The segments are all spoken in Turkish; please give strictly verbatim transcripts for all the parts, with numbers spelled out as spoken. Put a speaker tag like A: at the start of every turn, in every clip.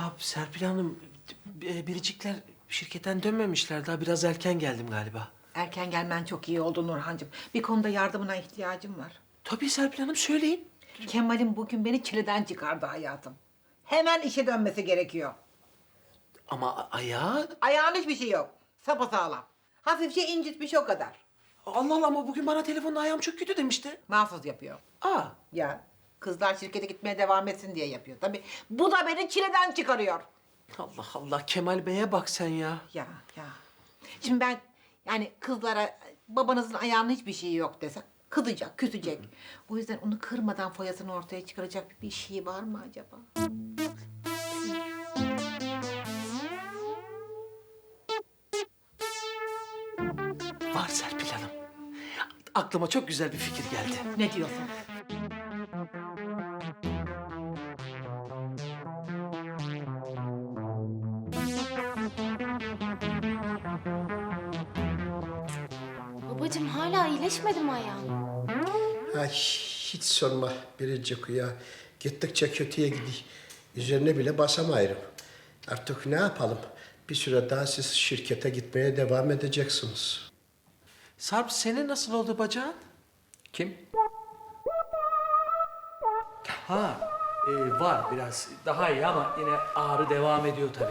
A: Ya Serpil Hanım, e, Biricikler şirketten dönmemişler. Daha biraz erken geldim galiba.
B: Erken gelmen çok iyi oldu Nurhancığım. Bir konuda yardımına ihtiyacım var.
A: Tabii Serpil Hanım, söyleyin.
B: Kemal'im bugün beni çileden çıkardı hayatım. Hemen işe dönmesi gerekiyor.
A: Ama a- ayağı...
B: Ayağın hiçbir şey yok. Sapasağlam. Hafifçe incitmiş o kadar.
A: Allah Allah, ama bugün bana telefonda ayağım çok kötü demişti.
B: Mahfuz yapıyor.
A: Aa,
B: Ya kızlar şirkete gitmeye devam etsin diye yapıyor. Tabii bu da beni çileden çıkarıyor.
A: Allah Allah, Kemal Bey'e bak sen ya.
B: Ya ya. Şimdi ben yani kızlara babanızın ayağının hiçbir şeyi yok desem kızacak, küsecek. O yüzden onu kırmadan foyasını ortaya çıkaracak bir şey var mı acaba?
A: Var Serpil Hanım. Aklıma çok güzel bir fikir geldi.
B: Ne diyorsun?
C: Babacığım hala iyileşmedi mi ayağın?
D: Ay hiç sorma Biricik ya. Gittikçe kötüye gidiyor. Üzerine bile basamayırım. Artık ne yapalım? Bir süre daha siz şirkete gitmeye devam edeceksiniz.
A: Sarp, senin nasıl oldu bacağın?
E: Kim? Ha, e, var biraz. Daha iyi ama yine ağrı devam ediyor tabii.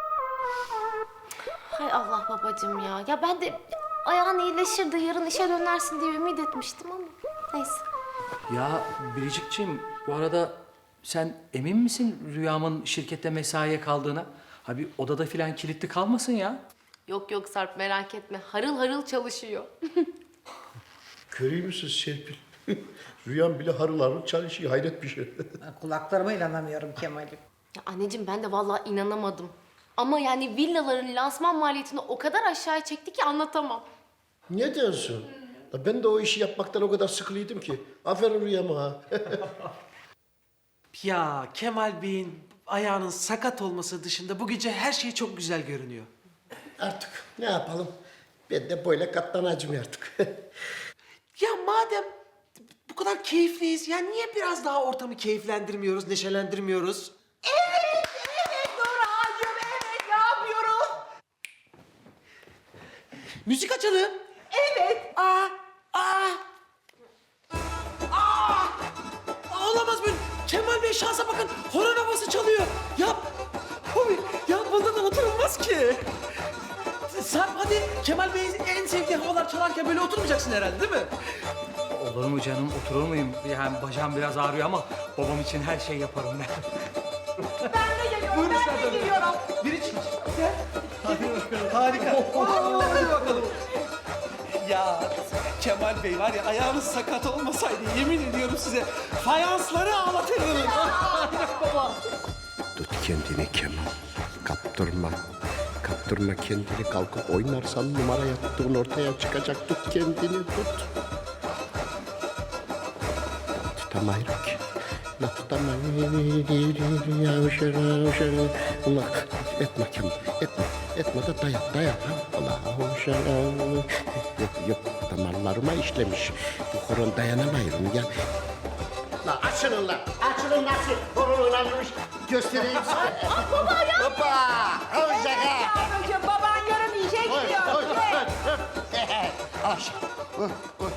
C: Hay Allah babacığım ya. Ya ben de ayağın iyileşir de yarın işe dönersin diye ümit etmiştim ama neyse.
E: Ya Biricikciğim, bu arada sen emin misin Rüyam'ın şirkette mesaiye kaldığına? Ha bir odada filan kilitli kalmasın ya.
C: Yok yok Sarp merak etme. Harıl harıl çalışıyor.
D: Görüyor musunuz Serpil? Rüyam bile harıl harıl çalışıyor. Hayret bir şey.
B: Kulaklarıma inanamıyorum Kemal'im.
C: Ya anneciğim ben de vallahi inanamadım. Ama yani villaların lansman maliyetini o kadar aşağıya çekti ki anlatamam.
D: Ne diyorsun? Ya ben de o işi yapmaktan o kadar sıkılıydım ki. Aferin Rüyam'a ha.
A: Ya Kemal Bey'in ayağının sakat olması dışında bu gece her şey çok güzel görünüyor.
D: Artık ne yapalım? Ben de böyle katlanacağım artık.
A: Ya madem bu kadar keyifliyiz, ya niye biraz daha ortamı keyiflendirmiyoruz, neşelendirmiyoruz?
B: Evet, evet Nurhancığım, evet. Ne yapıyoruz?
A: Müzik açalım.
B: Evet.
A: Aa, aa. Aa! Aa, olamaz böyle. Kemal Bey şansa bakın. Horon havası çalıyor. Ya, huy, ya bunda da oturulmaz ki. Sarp hadi, Kemal Bey'in en sevdiği havalar çalarken böyle oturmayacaksın herhalde, değil mi?
E: Olur mu canım, oturur muyum? Yani bacağım biraz ağrıyor ama babam için her şey yaparım ben.
B: Ben de geliyorum,
A: Buyurun
B: ben de
A: Serpil.
B: geliyorum.
A: Biri çık. Gel. Hadi bakalım. Harika. Hadi bakalım. Ya Kemal Bey var ya, ayağınız sakat olmasaydı yemin ediyorum size fayansları ağlatırdım. Baba.
D: Tut kendini Kemal. Kaptırma. Kaptırma kendini. Kalkıp oynarsan numara yaptığın ortaya çıkacak. Tut kendini tut. Tutamayırım ki. La tutamayırım. Yavşara yavşara. Allah etme Kemal. Etme. Etme de dayan dayan. Allah yavşara. Yok yok damarlarıma işlemiş. Bu horon dayanamayırım ya. La açılın la. Açılın nasıl horon oynanmış. Göstereyim size. Baba ya. Hoppa. Al şaka.
B: Yavrucuğum baban yarın işe gidiyor.
D: Oy, oy, oy, oy. Aşağı. Oy, oy.